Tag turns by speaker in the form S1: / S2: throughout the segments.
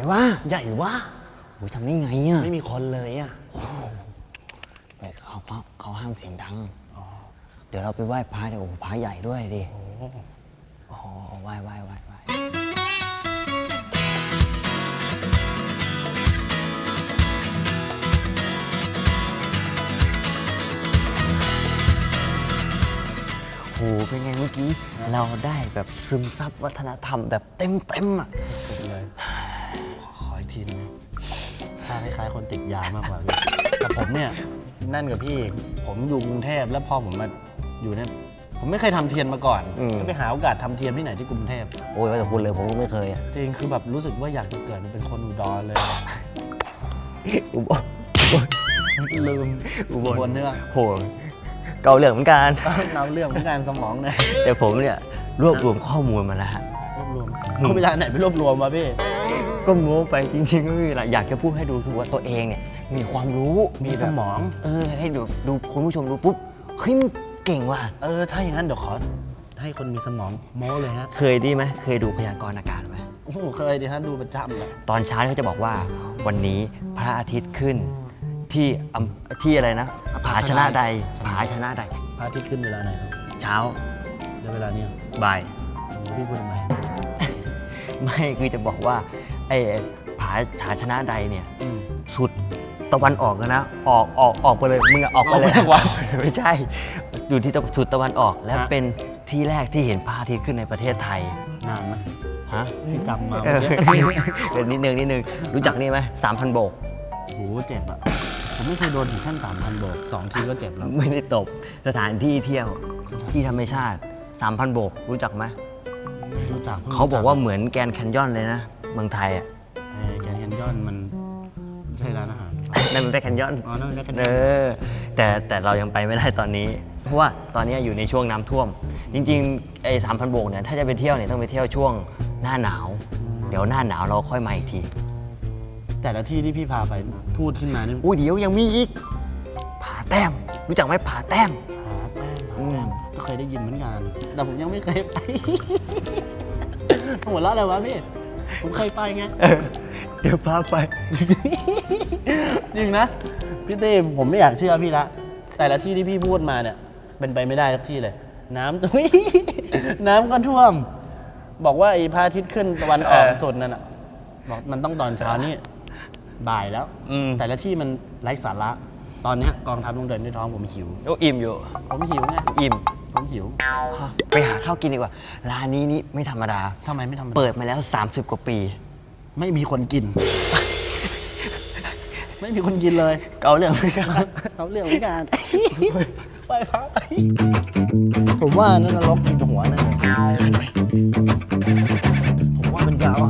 S1: ว่า
S2: ใหญ่ว่า
S1: โอ้ยทำได้ไงอ่ะ
S2: ไม่มีคนเลยอ่ะ
S1: แต่เขาห้ามเสียงดังเดี๋ยวเราไปไหว้พระเดี๋ยวโอ้พระใหญ่ด้วยดิโอ้โหไหว้โอ้เป็นไงเมื่อกี้เราได้แบบซึมซับวัฒนธรรมแบบเต็มอ่ะ
S2: สุดเลยขออีกทีนึงถ้าคล้ายๆคนติดยามากกว่าพี่แต่ผมเนี่ยนั่นกับพี่ผมอยู่กรุงเทพแล้วพอผมมาอยู่เนี่ยผมไม่เคยทำเทียนมาก่อนก็ไปหาโอกาสทำเทียนที่ไหนที่กรุงเทพ
S1: โอ้ยว่าแต่คุณเลยผมก็ไม่เคย
S2: จริงคือแบบรู้สึกว่าอยากจะเกิดเป็นคนอุดรเลยลืมอุบลเนื้อ
S1: โหเกาเหลืองเหมือนกัน
S2: เราเรื่องเหมือนกันสมองเนี่ย
S1: แต่ผมเนี่ยรวบรวมข้อมูลมาแล้ว
S2: รวบรวมเอาเวลาไหนไปรวบรวมมาพี่
S1: ก็โม้ไปจริงๆก็ไม่มีอะไรอยากจะพูดให้ดูสึกว่าตัวเองเนี่ยมีความรู้
S2: มีสมอง
S1: ให้ดูคุณผู้ชมดูปุ๊บเฮ้ยเก่งว่ะ
S2: ถ้าอย่างนั้นเดี๋ยวขอให้คนมีสมองโม้เลยฮะ
S1: เคยดีไหมเคยดูพยากรณ์อากาศไหม
S2: โอ้โหเคยดิฮะดูประจำเลย
S1: ตอนเช้าเขาจะบอกว่าวันนี้พระอาทิตย์ขึ้นที่อะไรนะผาชนะใดผาชนะใด
S2: พระอาทิตย์ขึ้นเวลาไหนครับ
S1: เช้า
S2: แล้วเวลานี้
S1: บ่าย
S2: พี่พูดทำไม
S1: ไม่คือจะบอกว่าไอ้ผาชนะใดเนี่ยสุดตะวันออกนะออกไปเลยมึงออกไปเลยไม่ใช่อยู่ที่สุดตะวันออกและเป็นที่แรกที่เห็นพระอาทิตย์ขึ้นในประเทศไทย
S2: นานไหม
S1: ฮะ
S2: ที่จำมา
S1: นิดนึงรู้จักนี่ไหม3,000 โบก
S2: โหเจ็บอ่ะผมไม่เคยโดนถึงขั้น3,000 โบก2 ทีก็เจ็บแล้ว
S1: ไม่ได้ตบสถานที่เที่ยวที่ธรรมชาติ 3,000 โบกรู้จักไหม
S2: รู้จัก
S1: เขาบอกว่าเหมือนแกรนด์แคนยอนเลยนะเมืองไทยอ่ะ
S2: แกรนด์แคนยอนมันใช่ร้านอาหาร
S1: นั่นมันเป็นแคนยอน
S2: นั่นเป็นแคนยอน
S1: แต่เรายังไปไม่ได้ตอนนี้เพราะว่าตอนนี้อยู่ในช่วงน้ำท่วมจริงๆไอ้3,000 โบกเนี่ยถ้าจะไปเที่ยวเนี่ยต้องไปเที่ยวช่วงหน้าหนาวเดี๋ยวหน้าหนาวเราค่อยมาอีกที
S2: แต่ละที่ที่พี่พาไปพูดขึ้นมานี่
S1: เดี๋ยวยังมีอีกผาแต้มรู้จักไหมผาแต้ม
S2: ก็เคยได้ยินเหมือนกันแต่ผมยังไม่เคยไปหัวเราะอะไรวะพี่ผมเคยไปไง
S1: เดี๋ยวพาไป
S2: จริงนะพี่เต้ผมไม่อยากเชื่อพี่ละแต่ละที่ที่พี่พูดมาเนี่ยเป็นไปไม่ได้ทุกที่เลยน้ำก็ท่วมบอกว่าไอ้พระอาทิตย์ขึ้นตะวันออกสุดนั่นน่ะบอกมันต้องตอนเช้านี่บ่ายแล้วแต่ละที่มันไร้สาระตอนนี้กองทัพลงเดินด้วยท้องผมหิว
S1: อิ่มอยู่
S2: ผมหิวไง
S1: อิ่ม
S2: ผมหิว
S1: ไปหาข้าวกินดีกว่าร้านนี้นี่ไม่ธรรมดา
S2: ทำไมไม่ธรรมดา
S1: เปิดมาแล้ว30 กว่าปี
S2: ไม่มีคนกินไม่มีคนกินเลย
S1: เกาเรื่องไม่กัน
S2: เกาเรื่องไม่กันไปพักผมว่านั่นนรกกินหัวนั่นผมว่ามันยาว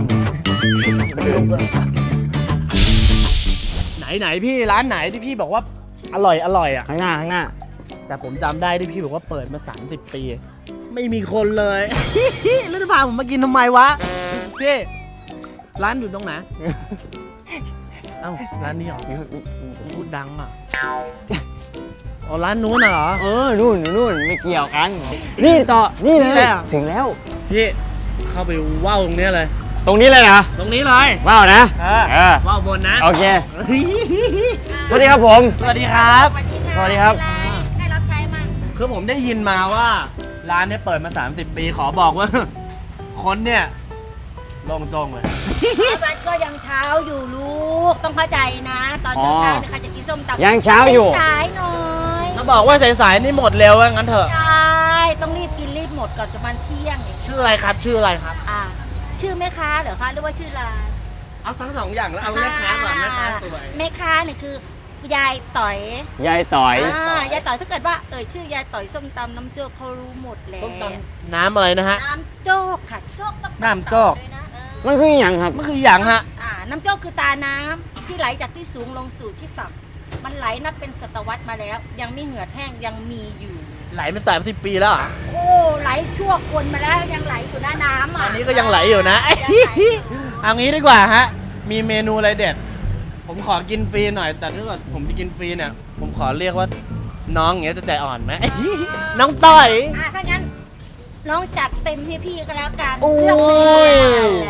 S2: ไหนพี่ร้านไหนที่พี่บอกว่าอร่อยอ่ะ
S1: ข้างหน้า
S2: แต่ผมจำได้ที่พี่บอกว่าเปิดมา30 ปีไม่มีคนเลยแล้วจะพาผมมากินทำไมวะพี่ร้านอยู่ตรงไหนเอ้าร้านนี้เหรอพูดดังอ่ะอ๋อร้านนู้นเหรอ
S1: นู่นไม่เกี่ยวกันนี่ต่อนี่เลยถึงแล้ว
S2: พี่เข้าไปว่าวตรงนี้เลย
S1: ตรงนี้เลยนะ
S2: ตรงนี้เลย
S1: ว้าวนะ
S2: ว้าวบนนะ
S1: โอเคสวัสดีครับผม
S2: สวัสดีครับ
S1: สวัสดีครับ
S3: ให้รับใช้มั่ง
S2: คือผมได้ยินมาว่าร้านนี้เปิดมา30 ปีขอบอกว่าคนเนี่ยลงจงเลย
S3: มันก็ยังเช้าอยู่ลูกต้องเข้าใจนะตอนเช้าเนี่ยใครจะกินส้มตำ
S1: ยังเช้าอยู่
S3: สายหน่อย
S2: ถ้าบอกว่าสายๆนี่หมดเร็วงั้นเถอะ
S3: ใช่ต้องรีบกินรีบหมดก่อนจะมันเที่ยง
S2: ชื่ออะไรครับชื่ออะไรครับ
S3: ชื่อแม่ค้าเหรอคะหรือว่าชื่อร้าน
S2: เอาทั้ง2 อย่างแล้วเอาแม่ค้าก่อนแม่ค้าสวย
S3: แม่ค้าเนี่ยคือยายต่อย
S1: ยายต่อย
S3: ถ้าเกิดว่าชื่อยายต่อยส้มตำน้ำโจ๊กเขารู้หมดแล้ว
S2: ส้มตำน้ำอะไรนะฮะ
S3: น้ำโจ๊กค่ะโจ๊ก
S2: น้ำโจ๊ก
S1: มันคืออย่างครับ
S2: มันคืออย่างฮะ
S3: น้ำโจ๊กคือตาน้ำที่ไหลจากที่สูงลงสู่ที่ต่ำมันไหลนับเป็นศตวรรษมาแล้วยังไม่เหือดแห้งยังมีอยู่
S2: ไหลมา30 ปีแล้ว
S3: โอ้ไหลชั่วคนมาแล้วยังไหลอยู่นะน้ำ
S2: อันนี้ก็ยังไหลอยู่นะเอางี้ดีกว่าฮะมีเมนูอะไรเด็ดผมขอกินฟรีหน่อยแต่ถ้าเกิดผมจะกินฟรีเนี่ยผมขอเรียกว่าน้องอย่างเงี้ยจะใจอ่อนไหมน้องต้อย
S3: ถ้างั้นน้องจัดเต็มให้พี่ก็แล้วกัน
S1: โอ้ย
S3: ใช่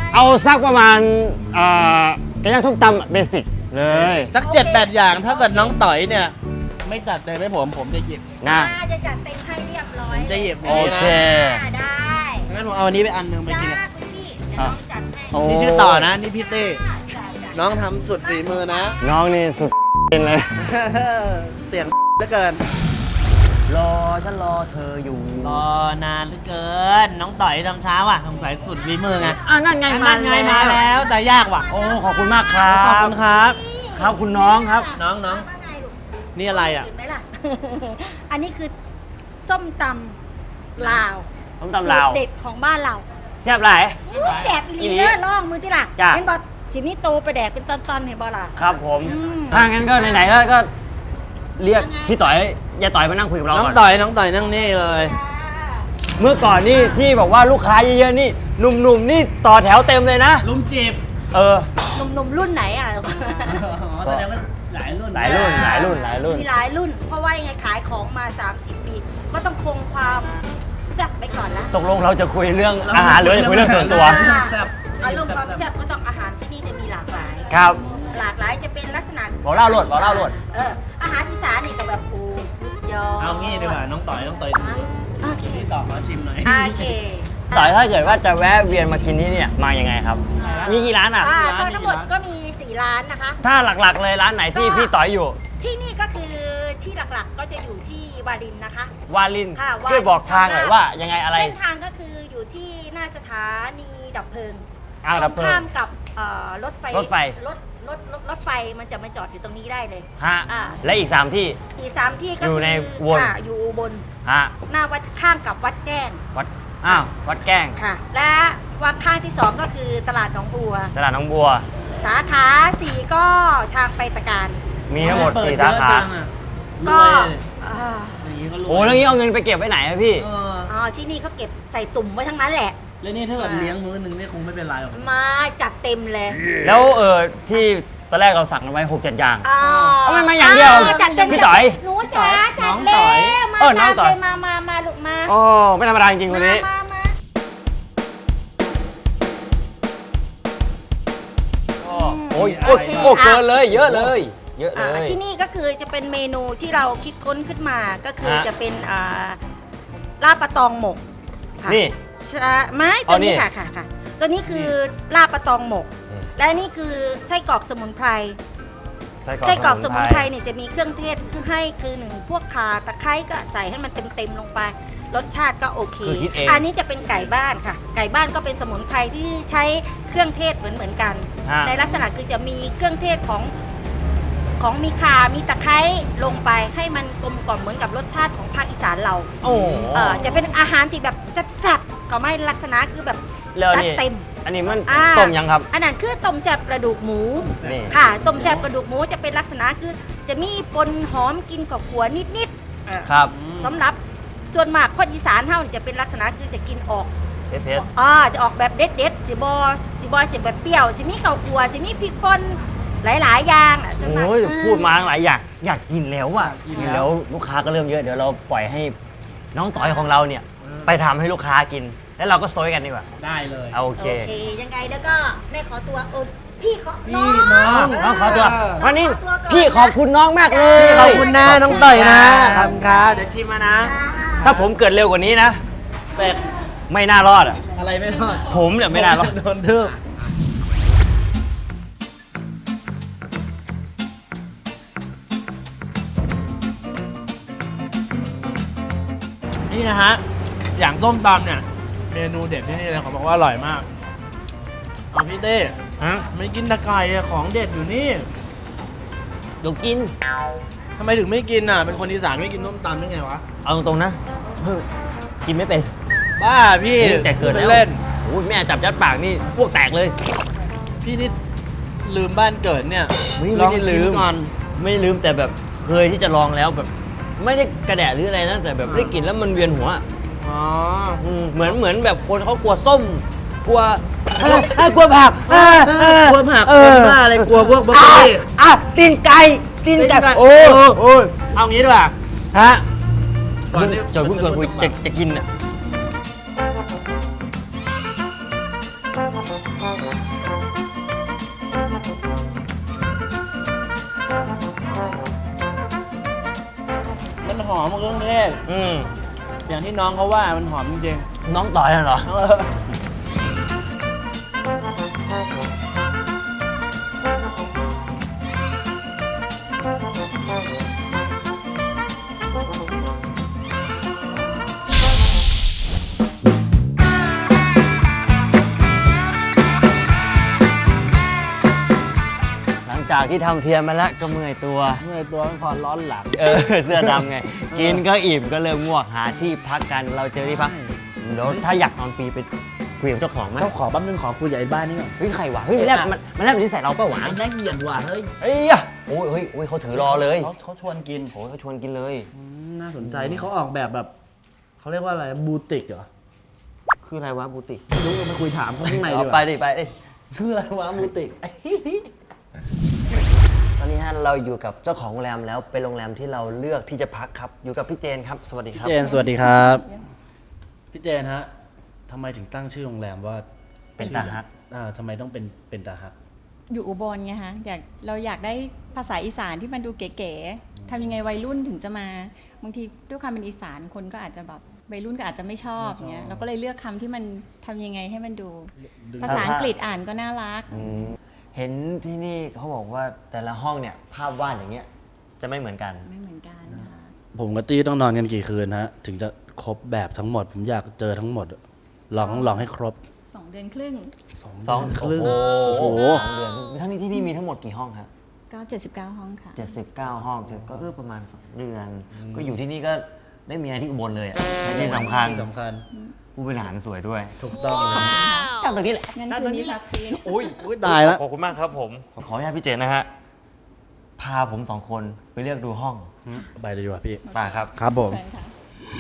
S1: เอาสักประมาณไก่ย่างส้มตำเบสิกเลย
S2: สัก 7-8 อย่างถ้าเกิดน้องต่อยเนี่ย ไม่จัดเลยให้ผมจะหยิบ
S1: นะ
S3: จะจัดเต็มให้เรียบร้อย
S2: จะหยิบ
S1: โอเค
S3: ได้
S2: งั้นผมเอาอันนี้ไปอันหนึงไปกิน
S3: จ้าคุณพี่เดี๋ยวน้องจัดให้
S1: โอ้
S2: นี่ชื่อต่อนะนี่พี่เต้
S3: จ้า
S2: น้องทำสุดฝีมือนะ
S1: น้องนี่สุดเลย
S2: เสียงเหลือเกิน
S1: รอฉันรอเธออยู่
S2: รอนานเหลือเกิน น้องต่อยทำเช้าอ่ะสงสัยสุดฝีมือไง
S1: นั่นไง
S2: นั่นไงมาแล้วแต่ยากว่ะ
S1: โอ้ขอบคุณมากครับ
S2: ขอบคุณครับ
S1: ครับคุณน้องครับ
S2: น้อง
S3: ว่าไงลูก
S2: นี่อะไรอ่ะ
S3: เห็นไหมล่ะ อันนี้คือส้มตำลาว
S1: ส้มตำลาว
S3: สูตรเด็ดของบ้านเรา
S1: แซ่บหลาย
S3: อู้แสบ
S1: อี
S3: ลี
S1: หลี
S3: เด้อล่องมือที่ล่ะ
S1: จ้ะ
S3: เห็นบอกจิมนี่โตไปแดกเป็นตอนๆเห็นบอล่ะ
S1: ครับผม
S3: อืม
S1: ถ้างั้นก็ไหนๆก็เรียก
S3: ยังไง
S1: พี่ต่อยยายต่อยมานั่งคุยกับเรา
S2: น้อง
S1: ก่อน
S2: ต่อยนั่งนี่เลย
S1: เมื่อก่อนนี่ที่บอกว่าลูกค้าเยอะๆนี่หนุ่มๆนี่ต่อแถวเต็มเลยนะ
S2: ลุมจีบ
S1: เออ
S3: หนุ่มๆรุ่นไหนอ่ะ
S2: แสดงว่าหลายรุ่น
S1: หลายรุ่นหลายรุ่นหลายรุ่น
S3: มีหลายรุ่น เพราะว่ายังไงขายของมา 30 ปี ก็ต้องคงความแซ่บไปก่อนละ
S1: ตกลงเราจะคุยเรื่องอาหารหรือจะคุยเรื่องส่วนตัว
S2: แซ่บ
S3: อารมณ์ความแซ่บก็ต้องอาหารที่นี่จะมีหลากหลาย
S1: ครับ
S3: หลากหลายจะเป็นลักษณะ
S1: บอกเล่าโลดบอกเล่าโลด
S3: อาหารอีสานนี่ก็แบบโอ้สุดยอด
S2: เอางี้ดีกว่าน้องต่อย
S3: โอเค
S2: พี่ต่อขอชิมหน่อย
S3: โอเค
S1: ต่อยถ้าเกิดว่าจะแวะเวียนมากินที่เนี่ยมายังไงครับ มีกี่ร้านอ่ะ
S3: ก็ทั้งหมดก็มี 4 ร้านนะคะ
S1: ถ้าหลักๆเลยร้านไหนที่พี่ต่อยอยู่
S3: ที่นี่ก็คือที่หลักๆก็จะอยู่ที่วารินนะคะ
S1: วาลิน
S3: ค่ะวาลิน
S1: ช่วยบอกทางหน่อยว่ายังไงอะไร
S3: เส้นทางก็คืออยู่ที่หน้าสถานีดับเพลิง
S1: ดับเพลิ
S3: ข้าง มกับรถไฟ
S1: รถไฟ
S3: รถไฟมันจะมาจอดอยู่ตรงนี้ได้เลย
S1: ฮะ
S3: อ่า
S1: และอีก3ที่
S3: อีก3ที่ก็
S1: อยู่
S3: คือ
S1: ในวน
S3: ค่ะอยู่อุบน
S1: ฮะ
S3: หน้าวัดข้างกับวัดแก้ง
S1: วัดวัดแกล้ง
S3: ค่ะ และวัดข้างที่ 2 ก็คือตลาดหนองบัว
S1: ตลาดหนองบัว
S3: สาขา 4 ก็ทางไปตะการ
S1: มีทั้งหมด4สาขา
S3: ก็
S2: ก็อย่างนี้ก็รวย
S1: โอ้แล้วงี้เอาเงินไปเก็บไว้ไหนอะพี่
S3: ที่นี่เขาเก็บใส่ตุ่มไว้ทั้งนั้นแหละ
S2: แล้วนี่ถ้าเกิดเลี้ยงมื้อหนึงนี่คงไม่เป็นไรหรอก
S3: มาจัดเต็มเลย
S1: แล้วที่ตอนแรกเราสั่งกันไว้6-7 อย่าง
S3: อ๋อ
S1: เอามาอย่างเดียว
S3: จัดเต็ม
S1: พี่ต่อย
S3: หนูจ๋าจัด
S2: น้อง
S3: แล้
S2: ต่อย
S3: ว
S1: น้องต่อย
S3: มาลูกมา
S1: โอ้ไม่ธรรมดาจริงๆคนนี้
S3: มา
S1: โอ้ยโอ้ยโอ้เกินเลยเยอะเลย เยอะเลย
S3: ที่นี่ก็คือจะเป็นเมนูที่เราคิดค้นขึ้นมาก็คือ
S1: ฮะ
S3: จะเป็นลาบปลาตองหมกค่ะ
S1: นี่
S3: ใช่ไม้
S1: อ๋
S3: ตั
S1: อ
S3: ว
S1: นี่
S3: นี้ค่ะตัวนี้คือลาบปลาตองหมก
S1: อืม
S3: และนี่คือไส้กรอกสมุนไพร ไส้กรอกสมุนไพรเนี่ยจะมีเครื่องเทศคือหนึ่งพวกข่าตะไคร้ก็ใส่ให้มันเต็มๆลงไป รสชาติก็โอเค
S1: คือคิดเอง
S3: อันนี้จะเป็นไก่บ้านค่ะ ไก่บ้านก็เป็นสมุนไพรที่ใช้เครื่องเทศเหมือนกัน
S1: ฮะ
S3: ในลักษณะคือจะมีเครื่องเทศของมีข่ามีตะไคร้ลงไปให้มันกลมกล่อมเหมือนกับรสชาติของภาคอีสานเรา
S1: โอ้
S3: จะเป็นอาหารที่แบบแซ่บๆก็ไม่ลักษณะคือแบบ
S1: แล้ว
S3: จัด
S1: นี่
S3: เต็ม
S1: อันนี้มัน
S3: อ่า
S1: ต้มยังครับ
S3: อันนั้นคือต้มแซ่บกระดูกหมู
S1: นี่
S3: ค่ะต้มแซ่บกระดูกหมูจะเป็นลักษณะคือจะมีปนหอมกินกับขัวนิดๆ
S1: ครับ
S3: สำหรับส่วนมากคนอีสานเฮานี่จะเป็นลักษณะคือจะกินออก
S1: เพชร
S3: จะออกแบบเด็ดๆสิบแบบเปรี้ยวสิมีข้าวคั่วสิมีพริกป่นหลายๆอย่างน่ะส่วนมาก
S1: โอ้ยพูดมาหลายอย่างอยากกินแล้วอ่ะกินแล้วลูกค้าก็เริ่มเยอะเดี๋ยวเราปล่อยให้น้องต่อยของเราเนี่ย ไปทำให้ลูกค้ากิน แล้วเราก็โซยกันดีกว่า
S2: ได้เลย
S1: เอาโอ
S3: โอ
S1: เค
S3: เคยังไงแล้วก็แม่ขอตัวพี่ขอ
S2: พี่
S3: น้อง
S1: น้องขอตัววันนี้
S3: ขอตัวก่อน
S1: พี่ขอบคุณน้องมากเลย
S2: ขอบคุณนะน้องต่อยนะขอบคุณครับเดี๋ยวชิมมานะ
S1: ถ้าผมเกิดเร็วกว่านี้นะ
S2: เสร็จ
S1: ไม่น่ารอดอ่ะ
S2: อะไรไม่รอด
S1: ผมเนี่ยไม่น่ารอด
S2: โดนทึบนี่นะฮะ อย่างต้มตำเนี่ย เมนูเด็ดที่นี่เลยเขาบอกว่าอร่อยมากเอาพี่เต้
S1: ฮะ
S2: ไม่กินตะไคร้อะของเด็ดอยู่นี่
S1: เดี๋ยวกิน
S2: ทำไมถึงไม่กินอ่ะ เป็นคนอีสานไม่กินต้มตำได้ไงวะ
S1: เอาตรงๆนะเฮ้ยกินไม่เป็น
S2: บ้าพี่
S1: นี่แต่เกิด
S2: พู
S1: แล้ว
S2: เล่น
S1: โอ้ยแม่จับยัดปากนี่พวกแตกเลย
S2: พี่นี่ลืมบ้านเกิดเนี่ย
S1: ไม่
S2: ลอง
S1: ได้
S2: ชิ
S1: ลื
S2: ม
S1: ม
S2: ก่อน
S1: ไม่ลืมแต่แบบเคยที่จะลองแล้วแบบ ไม่ได้กระแดะหรืออะไรนะแต่แบบได้กลินแล้วมันเวียนหัว
S2: อ๋อ
S1: เหมือนแบบคนเขากลัวส้ม กลัวกลัวผัก
S2: กลัวผัก
S1: เอ
S2: คน
S1: อ
S2: บ้าอะไรกลัวพวกบรอกโคลี
S1: ตีนไก่ตีนไก่
S2: ตีนไก่
S1: โอ้ย
S2: เออ
S1: โอ้ย
S2: เอางี้ดีกว่า
S1: ฮะ
S2: ก่อนที่
S1: จอยพูดก่อนคุยจะกินอ่ะ
S2: หอมเครื่องเทศ
S1: อืม
S2: อย่างที่น้องเขาว่ามันหอมจริง
S1: น้องต่อยเหรอ
S2: ๆ
S1: หลังจากที่ทำเทียมมาแล้วก็เมื่อยตัว
S2: เมื่อยตัวมันพอร้อนหลัง
S1: เสื้อดำไง กินก็อิ่มก็เริ่มง่วงหาที่พักกันเราเจอที่พักเดี๋ยวถ้าอยากนอนฟรีไปคุยกับเจ้าของไหม
S2: เจ้าของแป๊บนึงขอคุยกับไอ้บ้านนี่ก่อน
S1: เฮ้ยใครวะเฮ้ยมันแลบแบบนี้ใส่เราเปล่าวะ
S2: ไอ้น่าเกลียดว่ะเฮ้ย
S1: เอ้ยอะโอ้ยเฮ้ยเขาถือรอเลย
S2: เขาชวนกิน
S1: โอ้ยเขาชวนกินเลย
S2: น่าสนใจนี่เขาออกแบบเขาเรียกว่าอะไรบูติกเหรอ
S1: คืออะไรวะบูติ
S2: ไม่รู้มาคุยถามเขาข้างในดี
S1: เอา
S2: ก
S1: ไป
S2: ว่า
S1: ดิไปดิ
S2: คืออะไรวะบูติก
S1: ตอนนี้ฮะเราอยู่กับเจ้าของโรงแรมแล้วเป็นโรงแรมที่เราเลือกที่จะพักครับอยู่กับพี่เจนครับสวัสดีครับ
S2: เจนสวัสดีครับพี่เจนฮะทำไมถึงตั้งชื่อโรงแรมว่า
S1: เป็นตาฮัก
S2: ทำไมต้องเป็นตาฮัก
S4: อยู่อุบลไงคะเราอยากได้ภาษาอีสานที่มันดูเก๋ๆทำยังไงวัยรุ่นถึงจะมาบางทีด้วยความเป็นอีสานคนก็อาจจะแบบวัยรุ่นก็อาจจะไม่ชอบเงี้ยเราก็เลยเลือกคำที่มันทำยังไงให้มันดู ภาษาอังกฤษอ่านก็น่ารัก
S1: เห็นที่นี่เขาบอกว่าแต่ละห้องเนี่ยภาพวาดอย่างเงี้ยจะไม่เหมือนกัน
S4: ไม่เหมือนกันค่ะ
S2: ผมกับตี้ต้องนอนกันกี่คืนฮะถึงจะครบแบบทั้งหมด ผมอยากเจอทั้งหมดลองให้ครบ
S4: 2 เดือนครึ่ง
S1: สอง
S2: ครึ่ง
S1: โอ้
S2: โอ้
S1: โห
S2: โห
S1: 2 เดือนทั้งนี้ที่นี่มีทั้งหมดกี่ห้องครับ
S4: ก็79 ห้องค่ะ
S1: 79 ห้องก็ประมาณ 2 เดือน ก็อยู่ที่นี่ก็ได้เมียที่อุบลเลยอ่ะและที่สำคัญ
S2: ที่สำคัญ
S1: ผู้บริหารสวยด้วย
S2: ถูกต้องเลย
S1: จำตรงนี้แหละ
S4: งั้นคืนนี้พักฟรี
S1: อุ้ย
S2: ตายแล้ว
S1: ขอบคุณมากครับผม ขออนุญาตพี่เจนนะฮะ พาผม 2 คนไปเลือกดูห้อง
S2: ไปเลยดีกว่าพี่
S1: ป่าครับ
S2: ครับผม
S4: เชิญค่ะ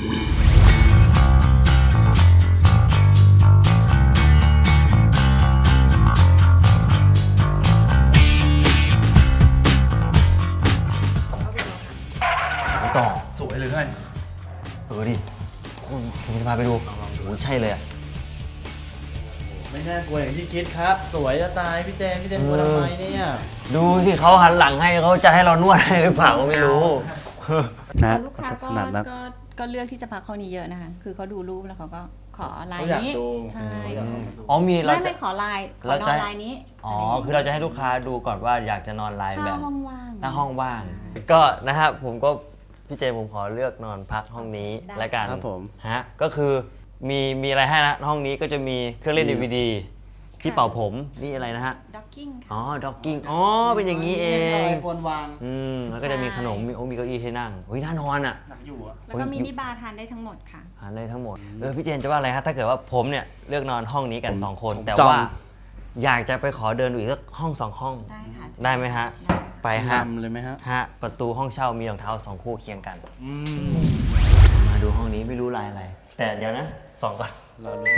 S1: ต่อ
S2: สวยเลยไง
S1: ดิผมจะพาไปดูโอ้ยใช่เลยอะ
S2: ไม่น่ากลัวอย่างที่คิดครับ สวยจะตายพี่เจนกลัวทำไมเนี่ย
S1: ดูสิเขาหันหลังให้เขาจะให้เรานวดให้หรือเปล่าก็ไม่รู้
S2: นะ
S4: ลูกค้า
S2: ขนาดนั้น
S4: ก็เลือกที่จะพักห้องนี้เยอะนะคะคือเขาดูรูปแล้วเขาก็ขอลายนี้ ใช่
S1: อ๋อมีเรา
S4: ไม่
S1: จะ
S4: ไม่ขอลายขอ
S1: เรา
S4: นอ
S1: จะ
S4: นลายนี้
S1: อ๋อ คือเราจะให้ลูกค้าดูก่อนว่าอยากจะนอนลายแบ
S4: ถ้า
S1: บ
S4: ห้องว่าง
S1: ถ้าห้องว่าง ก็นะฮะผมก็พี่เจผมขอเลือกนอนพักห้องนี้แล้วกัน
S2: ครับผม
S1: ฮะก็คือมีอะไรให้นะห้องนี้ก็จะมีเครื่องเล่น DVD ที่เป่าผมนี่อะไรนะฮะ
S4: ด็อกกิ้งค่ะ
S1: อ๋อด็อกกิ้งอ๋อเป็นอย่างนี้เอง
S2: ไอโฟนวาง
S1: แล้วก็จะมีขนมมีเก้าอี้ให้นั่งเฮ้ยน่านอนอ่ะ
S2: หนังอยู่อะ
S4: แล้วก็มินิบาร์ทานได้ทั้งหมดค่ะ
S1: หาได้ทั้งหมดพี่เจนจะว่าอะไรฮะถ้าเกิดว่าผมเนี่ยเลือกนอนห้องนี้กันสองคน แต่
S2: จอง
S1: ว่าอยากจะไปขอเดินดูอีกสักห้องสองห้อง
S4: ได้ค่ะ
S1: ได้ไหมฮะ
S4: ได้
S1: ไปฮะ
S2: นำเลยไหมฮะ
S1: ประตูห้องเช่ามีรองเท้า2 คู่เคียงกัน
S2: อืม
S1: มาดูห้องนี้ไม่รู้ลายอะไร แต่เดี๋ยวนะส่องก่อน
S2: เรารู้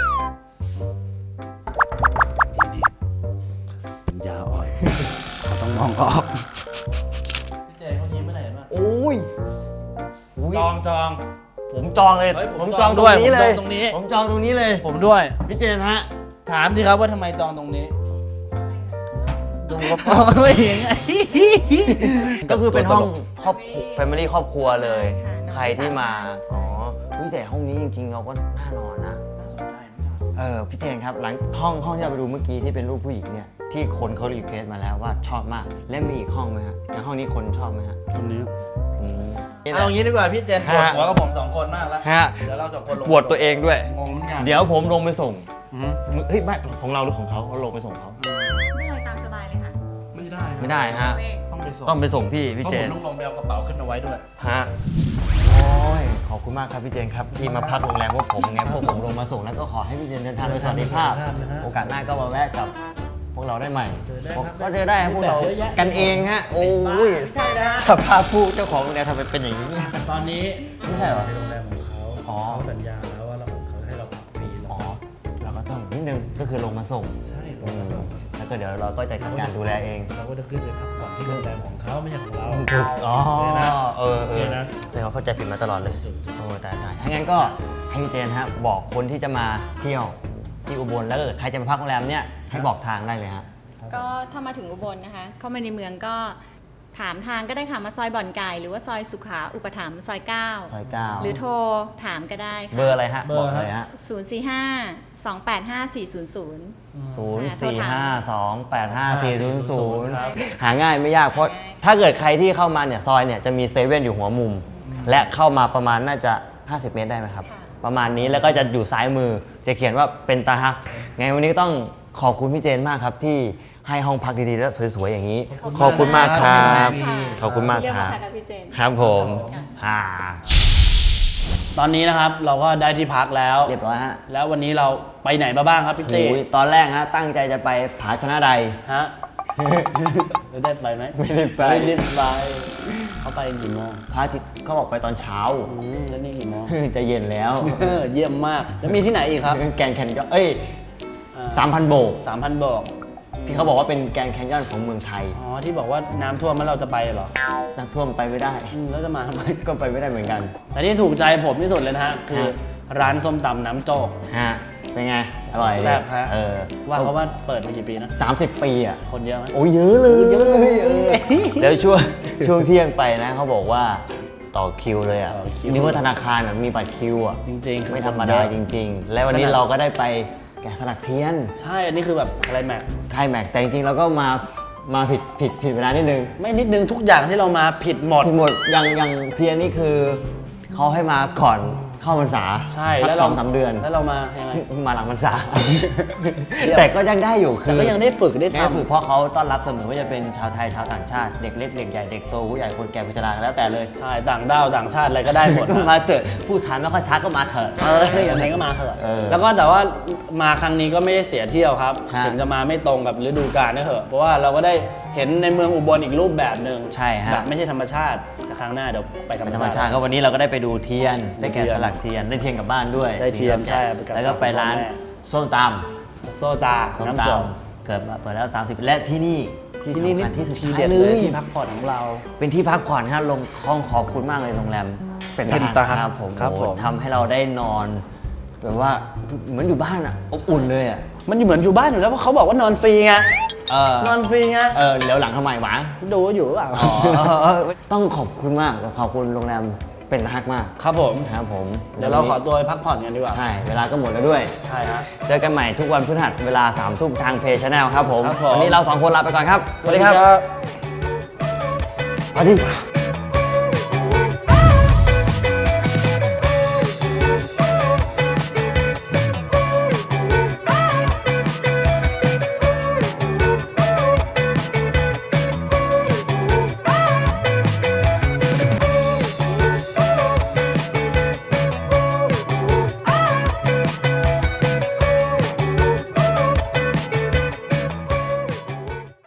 S2: นี่เป็นยาอ่อนเขาต้องมองออกพี่เจเขายิ้มไม่ได้เห็นป่ะ
S1: โอ้ย
S2: จอง
S1: ผมจองเลย
S2: เฮ้ยผม
S1: จ
S2: จ
S1: อ
S2: อง ง
S1: ต
S2: ด้
S1: รง
S2: วย
S1: นี้เลย
S2: ผมจองตรงนี้
S1: ผมจองตรงนี้เลย
S2: ผมด้วย
S1: พี่เจนฮะ
S2: ถามสิครับว่าทำไมจองตรงนี้ ดูกระเป๋าไม่เห็นไง
S1: ก็คือเป็นห้องครอบแฟมิลี่ครอบครัวเลย
S4: ค่ะ
S1: ใครที่มาอ๋ออุ๊ยแต่ห้องนี้จริงๆเราก็น่านอนนะพี่เจนครับหลังห้องที่เราไปดูเมื่อกี้ที่เป็นรูปผู้หญิงเนี่ยที่คนเขารีเควสมาแล้วว่าชอบมากและมีอีกห้องไหมฮะอย่างห้องนี้คนชอบไหมฮะ
S2: ตรงนี้
S1: อืม
S2: เอาอย่างนี้ดีกว่าพี่เจนปวดหัวกับผม2 คนมากแล้ว
S1: ฮะ
S2: เดี๋ยวเรา2 คนลง
S1: ปวดตัวเองด้วย
S2: งงเหมือนกัน
S1: เดี๋ยวผมลงไปส่ง
S2: อือฮึ
S1: เฮ้ยไม่ของเราหรือของเขาลงไปส่งเขา
S4: ไม่เลยตามสบายเลยค่ะ
S2: ไม่ได้
S1: ไม่ได้ฮะ
S2: ต้องไปส่ง
S1: ต้องไปส่งพี่
S2: เพราะ
S1: เจ
S2: ผม
S1: น
S2: ต้องลงไปเอากระเป๋าขึ้นเอาไว้ด้วย
S1: ฮะโอ้ยขอบคุณมากครับพี่เจนครับที่มาพักโรงแรมพวกผมไงพวกผมลงมาส่งแล้วก็ขอให้พี่เจนเดินทางโดยสวัสดิภาพ โอกาสหน้าก็มาแวะกับพวกเราได้ใหม่
S2: เจอได้ครับ
S1: ก็เจอได้พวกเรา
S2: เยอะแยะ
S1: กันเองฮะโอ้ย
S2: ใช่นะ
S1: สภาพผู้เจ้าของโรงแรมทำไมเป็นอย่างนี้
S2: ตอนนี้
S1: ไม่ใช่เหรอ
S2: ในโรงแรมของเขา
S1: อ๋อ
S2: เขาสัญญาแล้วว่าเขาให้เราพักฟรี
S1: อ๋อเราก็ต้องนิดนึงก็คือลงมาส่ง
S2: ใช่ลงมาส่ง
S1: แล้วก็เดี๋ยวเราก็จะทำการดูแลเอง
S2: เราก็จะขึ้นไปพักผ่อนที่โรงแรมของเขาไม่ใช่ของเรา
S1: ถูกอ๋อ
S2: โอเคนะ
S1: เออ
S2: โอเคนะ
S1: แต่เขาเข้าใจผิดมาตลอดเลย
S2: ถูก
S1: โอ้ตายถ้างั้นก็ให้พี่เจนฮะบอกคนที่จะมาเที่ยวที่อุบลแล้วก็เกิดใครจะมาพักโรงแรมเนี่ยให้บอกทางได้เลยฮะ
S4: ก็ถ้ามาถึงอุบลนะคะ เข้ามาในเมืองก็ถามทางก็ได้ค่ะมาซอยบ่อนไก่หรือว่าซอยสุขาอุปถัมภ์ซอย
S1: ซอย
S4: 9 หรือโทรถามก็ได้
S1: 9
S4: ค่ะ
S1: เบอร์อะไรฮะ
S2: เบอร์
S1: บอกเลยฮะ
S4: 045-285-400
S1: หาง่ายไม่ยากเพราะถ้าเกิดใครที่เข้ามาเนี่ยซอยเนี่ยจะมีเซเว่นอยู่หัวมุม และเข้ามาประมาณน่าจะ 50 เมตรได้ไหมครับ ประมาณนี้แล้วก็จะอยู่ซ้ายมือจะเขียนว่าเป็นตาฮักไงวันนี้ก็ต้องขอบคุณพี่เจนมากครับที่ให้ห้องพักดีๆและสวยๆอย่างนี้ ขอบคุณมากครับขอบคุณมากครับ
S4: เรียกว่าค่ะพี่เจน
S1: ครับผมอ่า
S2: ตอนนี้นะครับเราก็ได้ที่พักแล้ว
S1: เรียบร้อยฮะ
S2: แล้ววันนี้เราไปไหนมาบ้างครับพี่เต้
S1: โอ้ยตอนแรกฮะตั้งใจจะไปผาชนะใด
S2: ฮะ ได้ไปไหม
S1: ไม่ได้ไป
S2: ไม่ได้ไปเขาไปกี่โมง
S1: พระอาทิตย์เขาบอกไปตอนเช้า
S2: แล้วนี่กี่โมง
S1: จะเย็นแล้ว
S2: เยี่ยมมาก แล้วมีที่ไหนอีกครับ
S1: แกรนด์แคนยอน3,000 โบก
S2: 3,000 บอก
S1: ที่เขาบอกว่าเป็นแกรนด์แคนยอนของเมืองไทย
S2: อ๋อ ที่บอกว่าน้ำท่วมแล้วเราจะไปเหรอ
S1: น้ำท่วมไปไม่ได้
S2: แล้วจะมาทำไม
S1: ก็ไปไม่ได้เหมือนกัน
S2: แต่ที่ถูกใจผมที่สุดเลยนะฮะ คือ
S1: ฮะ
S2: ร้านส้มตำน้ำโจ๊ก
S1: ฮะเป็นไง อร่อยดิ
S2: แซ่บฮะ ว่า
S1: เขา
S2: เขาว่าเปิดมากี่ปีนะ
S1: 30 ปีอ่ะ
S2: คนเยอะไหม
S1: โอ้ยเยอะเลย
S2: เยอะเลย
S1: แล้วช่วงเที่ยงไปนะเขาบอกว่าต่อคิวเลยอ่ะ
S2: ต่อคิว
S1: นึกว่าธนาคารแบบมีบัตรคิวอ่ะ
S2: จริงๆคือ
S1: ไม่ธรรมดาจริง ๆ แล้ววันนี้
S2: ขนาด
S1: เราก็ได้ไปแกะสลักเทียน
S2: ใช่ อันนี้คือแบบอะไรแม็ก
S1: ไทยแม็กแต่จริงๆเราก็มาผิดเวลานิดนึง
S2: ไม่นิดนึงทุกอย่างที่เรามาผิดหมด
S1: ผิดหมดอย่างเทียนนี่คือเขาให้มาก่อนเข้าพรรษา
S2: ใช่
S1: สั
S2: แล้
S1: ก
S2: ว
S1: สองสามเดือน
S2: แล้วเรามายังไง
S1: มาหลังพรรษา
S2: เดี๋ยว
S1: แต่ก็ยังได้อยู่คื
S2: แต่
S1: อ
S2: ก็ยังได้ฝึกได้
S1: ได้ฝึก
S2: ทำ
S1: เพราะเขาต้อนรับเสมอว่าจะเป็นชาวไทยชาวต่างชาติเด็กเล็กเด็กใหญ่เด็กโตผู้ใหญ่คนแก่ผู้ชราแล้วแต่เลย
S2: ใช่ ต่างด้าวต่างชาติอะไรก็ได้หมด
S1: ก็
S2: นะ
S1: มาเถอะพูดไทยไม่ค่อยชัดก็มาเถอะ
S2: อย่างไรก็มาเถอะ
S1: เออ
S2: แล้วก็แต่ว่ามาครั้งนี้ก็ไม่ได้เสียเที่ยวครับ
S1: ฮะ
S2: ถึงจะมาไม่ตรงกับฤดูกาลก็เถอะเพราะว่าเราก็ได้เห็นในเมืองอุบลอีกรูปแบบหนึ่ง
S1: ใช่ฮะ
S2: แบบไม่ใช่ธรรมชาติแต่ครั้งหน้าเดี๋ยวไปธรรม
S1: ธรรม
S2: ชา
S1: ชาติ
S2: ติ
S1: ก็วันนี้เราก็ได้ไปดูเทียน ได้แกะ
S2: เทียน
S1: สลักเทียนได้เทียนกลับบ้านด้วย
S2: ได้เทียน
S1: สิ่ง
S2: ใช่
S1: ที่
S2: ไปกับ
S1: แล้วก็ไปร้าน
S2: พ่อแม่
S1: ส้มต
S2: โซตา
S1: ำส้ม
S2: น้ำ
S1: ต
S2: จม
S1: ำเกิดมาเปิดแล้ว 30 และที่นี่ที่
S2: ที่นี่
S1: สำคัญที่สุด
S2: ที
S1: ท้าย
S2: เด็ด
S1: เล
S2: เลย
S1: ย
S2: ที่พักผ่อนของเรา
S1: เป็นที่พักผ่อนฮะลงห้องขอบคุณมากเลยโรงแรม
S2: เป็น
S1: ทหาร
S2: ทหาร
S1: ครับผม
S2: ครับ
S1: โอ้
S2: ผม
S1: ทำให้เราได้นอนแบบว่าเหมือนอยู่บ้านอ่ะอบอุ่นเลยอ่ะ
S2: มันอยู่เหมือนอยู่บ้านอยู่แล้วเพราะเขาบอกว่านอนฟรีไง
S1: เออน
S2: อนฟรีไง
S1: เดี๋ยวหลังทำไมหวะ
S2: ดูว่าอยู่หรือเปล่า
S1: ต้องขอบคุณมากขอบคุณโรงแรมเป็นทักมาก
S2: ครับผม
S1: ครับผม
S2: เดี๋ยวเราขอตัวไปพักผ่อนกันดีกว่า
S1: ใช่เวลาก็หมดแล้วด้วย
S2: ใช่ฮะ
S1: เจอกันใหม่ทุกวันพฤหัสเวลา 3 ทุ่มทางเพจชาแนลครับผม
S2: ครับผม
S1: วันนี้เรา 2 คนลาไปก่อนครับ สวัสดีครับ สวัสดี